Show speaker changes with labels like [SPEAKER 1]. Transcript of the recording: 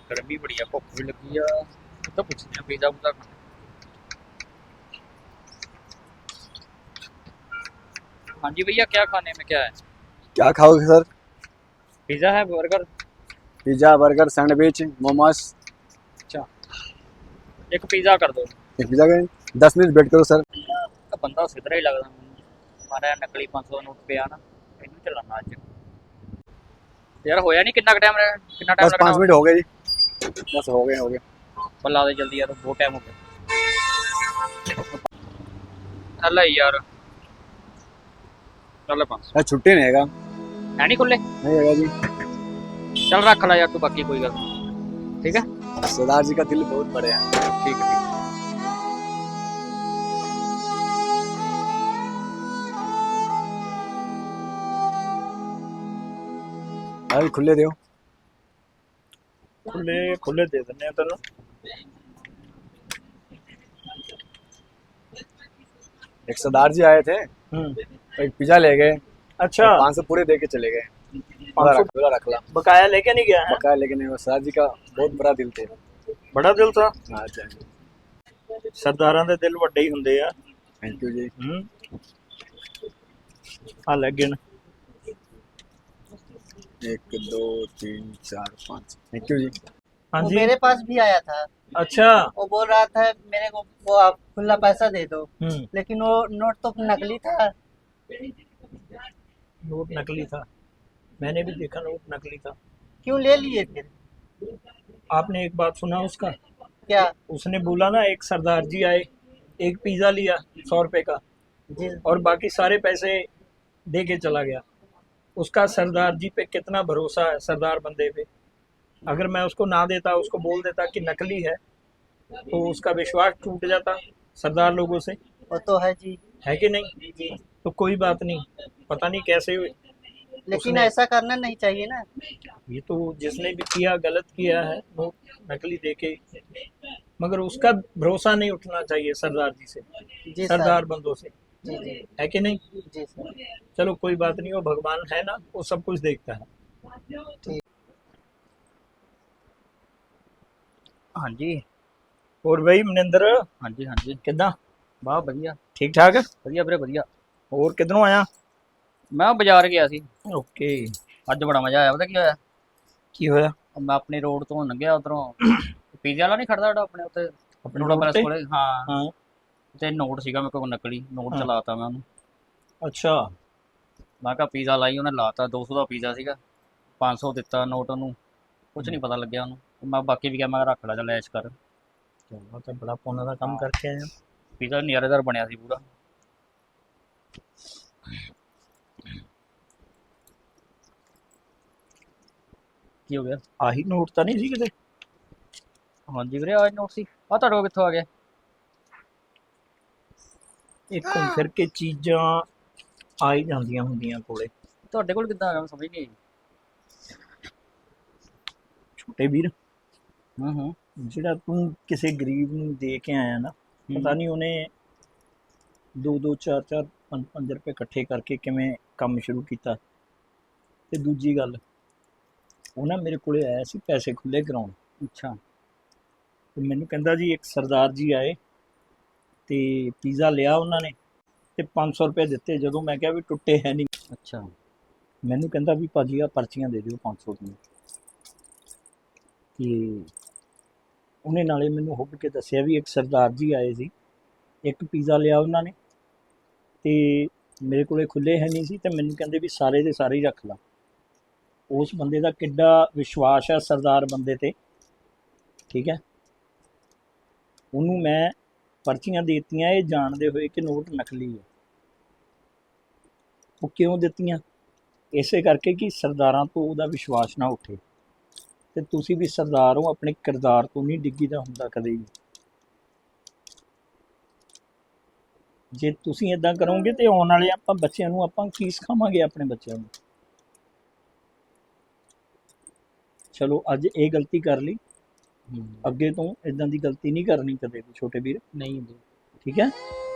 [SPEAKER 1] गर्मी बड़ी है, भुख भी लगी है। तो पूछते हैं पिज़्ज़ा पुज़्ज़ा खाना। हाँ जी भैया, क्या खाने में क्या है?
[SPEAKER 2] क्या खाओगे सर?
[SPEAKER 1] पिज़्ज़ा है, burger.
[SPEAKER 2] Pizza, burger, sandwich, momos.
[SPEAKER 1] अच्छा, एक पिज़्ज़ा कर दो।
[SPEAKER 2] एक पिज्जा का 10 मिनट वेट करो सर।
[SPEAKER 1] तो बंदा सिद्धरा ही लगता मैनूं। हमारा नकली 500 का नोट पिया ना, इनू चलाना अज। यार होया नहीं, कितना टाइम
[SPEAKER 2] बस
[SPEAKER 1] लगना
[SPEAKER 2] 5 मिनट
[SPEAKER 1] और?
[SPEAKER 2] हो गए जी। बस हो गए।
[SPEAKER 1] बल्ला दे जल्दी यार, बहुत टाइम हो गया। चल यार, चल 500
[SPEAKER 2] यार छुट्टी नहीं हैगा।
[SPEAKER 1] है नहीं खुले।
[SPEAKER 2] नहीं हैगा जी।
[SPEAKER 1] चल रख ला यार तू, बाकी कोई गल नहीं। ठीक है,
[SPEAKER 2] सरदार जी का दिल बहुत बड़े हैं।
[SPEAKER 1] ठीक है।
[SPEAKER 2] अरे खुले दो।
[SPEAKER 3] खुले खुले दे देने हैं तेन।
[SPEAKER 2] एक सरदार जी आए थे, एक पिज्जा ले गए।
[SPEAKER 3] अच्छा,
[SPEAKER 2] 500 पूरे दे के चले गए।
[SPEAKER 3] 500
[SPEAKER 2] रख ला।
[SPEAKER 3] बकाया लेके नहीं गया है?
[SPEAKER 2] बकाया लेकिन वो सरदार जी का बहुत बड़ा दिल थे।
[SPEAKER 3] बड़ा दिल था।
[SPEAKER 2] हाँ जी,
[SPEAKER 3] सरदारां दे दिल ਵੱਡੇ ਹੀ ਹੁੰਦੇ ਆ।
[SPEAKER 2] थैंक यू जी।
[SPEAKER 3] आ ले गिन।
[SPEAKER 2] 1 2 3 4 5। थैंक यू जी।
[SPEAKER 3] हाँ
[SPEAKER 4] वो
[SPEAKER 3] जी।
[SPEAKER 4] मेरे पास भी आया था।
[SPEAKER 3] अच्छा।
[SPEAKER 4] वो बोल रहा था मेरे को वो आप खुला पैसा दे दो,
[SPEAKER 3] हम्म।
[SPEAKER 4] लेकिन वो नोट तो नकली था।
[SPEAKER 3] नोट नकली था, मैंने भी देखा नोट नकली था।
[SPEAKER 4] क्यों ले लिए फिर?
[SPEAKER 3] आपने एक बात सुना उसका?
[SPEAKER 4] क्या?
[SPEAKER 3] उसने बोला ना एक सरदार जी आए, एक पिज्जा लिया 100 रुपए का
[SPEAKER 4] जी
[SPEAKER 3] और बाकी सारे पैसे दे के चला गया। उसका सरदार जी पे कितना भरोसा है, सरदार बंदे पे। अगर मैं उसको ना देता, उसको बोल देता कि नकली है, तो उसका विश्वास टूट जाता सरदार लोगों से,
[SPEAKER 4] वो तो है जी।
[SPEAKER 3] है कि नहीं?
[SPEAKER 4] जी,
[SPEAKER 3] तो कोई बात नहीं, पता नहीं कैसे
[SPEAKER 4] लेकिन
[SPEAKER 3] उसने,
[SPEAKER 4] ऐसा करना नहीं चाहिए ना।
[SPEAKER 3] ये तो जिसने भी किया गलत किया है, नोट नकली देके। मगर उसका भरोसा नहीं उठना चाहिए सरदार जी से,
[SPEAKER 4] जी सर।
[SPEAKER 3] सरदार बंदों से,
[SPEAKER 4] जी जी
[SPEAKER 3] है कि नहीं?
[SPEAKER 4] जी सर।
[SPEAKER 3] चलो कोई बात नहीं, वो भगवान है ना, वो सब कुछ देखता है।
[SPEAKER 4] ठीक।
[SPEAKER 1] हाँ जी,
[SPEAKER 3] और भाई मनिंदर,
[SPEAKER 1] हाँ जी, हाँ जी।
[SPEAKER 3] किदा?
[SPEAKER 1] वाह बढ़िया,
[SPEAKER 3] ठीक ठाक?
[SPEAKER 1] बढ़िया ਵੀਰੇ बढ़िया।
[SPEAKER 3] और किधरों आया?
[SPEAKER 1] मैं बाजार गया सी,
[SPEAKER 3] ओके।
[SPEAKER 1] ਅੱਜ ਬੜਾ ਮਜ਼ਾ ਆਇਆ। ਪਤਾ ਕੀ ਹੋਇਆ,
[SPEAKER 3] की होया?
[SPEAKER 1] ਮੈਂ ਆਪਣੀ ਰੋਡ ਤੋਂ ਲੰਘਿਆ ਉਧਰੋਂ, ਪੀਜ਼ਾ ਵਾਲਾ ਨਹੀਂ ਖੜਦਾ ਜਿਹੜਾ ਆਪਣੇ ਉੱਤੇ
[SPEAKER 3] अपने
[SPEAKER 1] ਰੋੜਾ
[SPEAKER 3] रोड
[SPEAKER 1] ਪੈਲਸ
[SPEAKER 3] पे?
[SPEAKER 1] ਕੋਲੇ। ਹਾਂ,
[SPEAKER 3] हाँ।
[SPEAKER 1] ਤੇ ਨੋਟ ਸੀਗਾ ਮੇਰੇ ਕੋਲ ਨਕਲੀ ਨੋਟ,
[SPEAKER 3] ਹਾਂ।
[SPEAKER 1] ਚਲਾਤਾ ਮੈਂ ਉਹਨੂੰ।
[SPEAKER 3] अच्छा।
[SPEAKER 1] ਮੈਂ ਕਿਹਾ ਪੀਜ਼ਾ ਲਾਈ, ਉਹਨੇ ਲਾਤਾ। 200 ਦਾ ਪੀਜ਼ਾ ਸੀਗਾ, 500 ਦਿੱਤਾ ਨੋਟ ਉਹਨੂੰ, ਕੁਝ ਨਹੀਂ ਪਤਾ ਲੱਗਿਆ ਉਹਨੂੰ। ਮੈਂ ਬਾਕੀ ਵੀ ਕਿਹਾ, ਮੈਂ ਕਿਹਾ ਰੱਖ ਲੈ, ਚੱਲ ਐਸ਼ ਕਰ।
[SPEAKER 3] चलो तो बड़ा पुण्य का काम करके आया।
[SPEAKER 1] ਪੀਜ਼ਾ ਨਿਆਰੇਦਾਰ ਬਣਿਆ ਸੀ ਪੂਰਾ। ਕੀ ਹੋ ਗਿਆ?
[SPEAKER 3] आही नोट तो नहीं सी किते?
[SPEAKER 1] ਹਾਂਜੀ ਵੀਰੇ, ਆਹ ਨੋਟ ਸੀ। ਆ ਤੁਹਾਡੇ ਕੋਲ ਕਿੱਥੋਂ ਆ ਗਿਆ?
[SPEAKER 3] एक घूम फिर के चीज़ां आ ही जांदियां हुंदियां कोले।
[SPEAKER 1] ਤੁਹਾਡੇ ਕੋਲ ਕਿੱਦਾਂ ਆ ਗਿਆ, ਮੈਂ ਸਮਝ ਨਹੀਂ ਆਈ।
[SPEAKER 3] छोटे वीर,
[SPEAKER 1] ਹੂੰ।
[SPEAKER 3] ਜਿਹੜਾ ਤੂੰ ਕਿਸੇ ਗਰੀਬ ਨੂੰ ਦੇ ਕੇ ਆਇਆ ਨਾ, ਪਤਾ ਨਹੀਂ ਉਹਨੇ 2-2 4-4 5-5 ਰੁਪਏ ਇਕੱਠੇ ਕਰਕੇ ਕਿਵੇਂ ਕੰਮ ਸ਼ੁਰੂ ਕੀਤਾ। ਤੇ ਦੂਜੀ ਗੱਲ, ਉਹ ਨਾ ਮੇਰੇ ਕੋਲੇ ਆਇਆ ਸੀ ਪੈਸੇ ਖੁੱਲੇ ਕਰਾਉਣ।
[SPEAKER 1] ਅੱਛਾ।
[SPEAKER 3] ਤੇ ਮੈਨੂੰ ਕਹਿੰਦਾ ਜੀ ਇੱਕ ਸਰਦਾਰ ਜੀ ਆਏ ਤੇ ਪੀਜ਼ਾ ਲਿਆ ਉਹਨਾਂ ਨੇ ਤੇ 500 ਰੁਪਏ ਦਿੱਤੇ। ਜਦੋਂ ਮੈਂ ਕਿਹਾ ਵੀ ਟੁੱਟੇ ਹੈ ਨਹੀਂ,
[SPEAKER 1] ਅੱਛਾ।
[SPEAKER 3] ਮੈਨੂੰ ਕਹਿੰਦਾ ਵੀ ਭਾਜੀ ਆ ਪਰਚੀਆਂ ਦੇ ਦਿਓ 500 ਦੀਆਂ। ਤੇ ਉਹਨੇ ਨਾਲੇ ਮੈਨੂੰ ਹੁੱਭ ਕੇ ਦੱਸਿਆ ਵੀ ਇੱਕ ਸਰਦਾਰ ਜੀ ਆਏ ਸੀ, ਇੱਕ ਪੀਜ਼ਾ ਲਿਆ ਉਹਨਾਂ ਨੇ ਤੇ ਮੇਰੇ ਕੋਲੇ ਖੁੱਲੇ ਹੈ ਨਹੀਂ ਸੀ, ਤੇ ਮੈਨੂੰ ਕਹਿੰਦੇ ਵੀ ਸਾਰੇ ਦੇ ਸਾਰੇ ਹੀ ਰੱਖ ਲਾ। ਉਸ ਬੰਦੇ ਦਾ ਕਿੱਡਾ ਵਿਸ਼ਵਾਸ ਹੈ ਸਰਦਾਰ ਬੰਦੇ ਤੇ, ਠੀਕ ਹੈ। ਉਹਨੂੰ ਮੈਂ ਪਰਚੀਆਂ ਦੇ ਦਿੱਤੀਆਂ ਇਹ ਜਾਣਦੇ ਹੋਏ ਕਿ ਨੋਟ ਨਕਲੀ ਹੈ। ਉਹ ਕਿਉਂ ਦਿੱਤੀਆਂ? ਇਸੇ ਕਰਕੇ ਕਿ ਸਰਦਾਰਾਂ ਤੋਂ ਉਹਦਾ ਵਿਸ਼ਵਾਸ ਨਾ ਉੱਠੇ। ਤੇ ਤੁਸੀਂ ਵੀ ਸਰਦਾਰ ਹੋ, ਆਪਣੇ ਕਿਰਦਾਰ ਤੋਂ ਨਹੀਂ ਡਿੱਗੀਦਾ ਹੁੰਦਾ ਕਦੇ ਵੀ। ਜੇ ਤੁਸੀਂ ਇਦਾਂ ਕਰੋਗੇ ਤੇ ਆਉਣ ਵਾਲੇ ਆਪਾਂ ਬੱਚਿਆਂ ਨੂੰ ਆਪਾਂ ਕੀ ਸਿਖਾਵਾਂਗੇ ਆਪਣੇ ਬੱਚਿਆਂ ਨੂੰ? ਚਲੋ ਅੱਜ ਇਹ ਗਲਤੀ ਕਰ ਲਈ, ਅੱਗੇ ਤੋਂ ਇਦਾਂ ਦੀ ਗਲਤੀ ਨਹੀਂ ਕਰਨੀ ਕਦੇ ਵੀ ਛੋਟੇ ਵੀਰ,
[SPEAKER 1] ਨਹੀਂ ਹੁੰਦੀ।
[SPEAKER 3] ਠੀਕ ਹੈ।